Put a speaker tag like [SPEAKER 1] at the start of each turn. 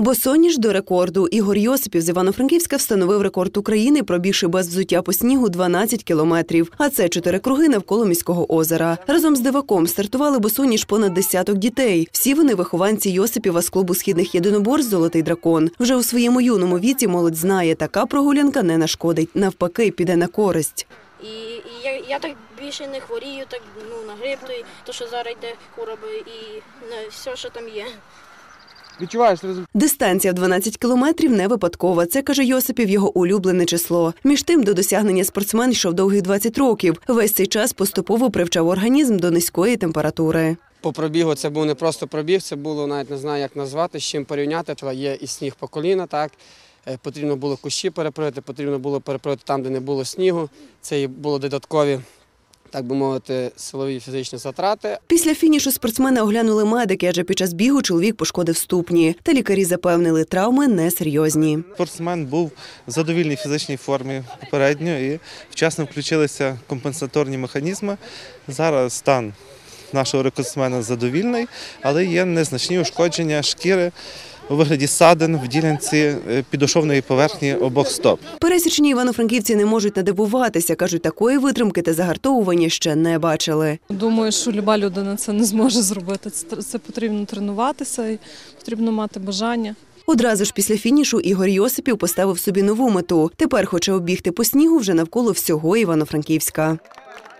[SPEAKER 1] Босоніж до рекорду. Ігор Йосипів з Івано-Франківська встановив рекорд України, пробігши без взуття по снігу 12 кілометрів. А це 4 круги навколо міського озера. Разом з диваком стартували босоніж понад десяток дітей. Всі вони вихованці Йосипіва з клубу східних єдиноборств «Золотий дракон». Вже у своєму юному віці молодь знає, така прогулянка не нашкодить. Навпаки, піде на користь.
[SPEAKER 2] І я так більше не хворію, так на грип, то що зараз йде хвороби і все, що там є.
[SPEAKER 3] Відчуваєш результат?
[SPEAKER 1] Дистанція в 12 кілометрів не випадкова. Це, каже Йосипів, його улюблене число. Між тим, до досягнення спортсмен йшов довгих 20 років. Весь цей час поступово привчав організм до низької температури.
[SPEAKER 3] По пробігу це був не просто пробіг, це було, навіть не знаю, як назвати, з чим порівняти. Є і сніг по коліна, так. Потрібно було кущі перепроїти, потрібно було перепроїти там, де не було снігу. Це були додаткові, так би мовити, силові фізичні затрати.
[SPEAKER 1] Після фінішу спортсмена оглянули медики, адже під час бігу чоловік пошкодив ступні. Та лікарі запевнили, травми несерйозні.
[SPEAKER 4] Спортсмен був в задовільній фізичній формі попередньо і вчасно включилися компенсаторні механізми. Зараз стан нашого рекордсмена задовільний, але є незначні ушкодження шкіри у вигляді ссадин в ділянці підошовної поверхні обох стоп.
[SPEAKER 1] Пересічні івано-франківці не можуть надивуватися. Кажуть, такої витримки та загартовування ще не бачили.
[SPEAKER 5] Думаю, що люба людина це не зможе зробити. Це потрібно тренуватися і потрібно мати бажання.
[SPEAKER 1] Одразу ж після фінішу Ігор Йосипів поставив собі нову мету. Тепер хоче оббігти по снігу вже навколо всього Івано-Франківська.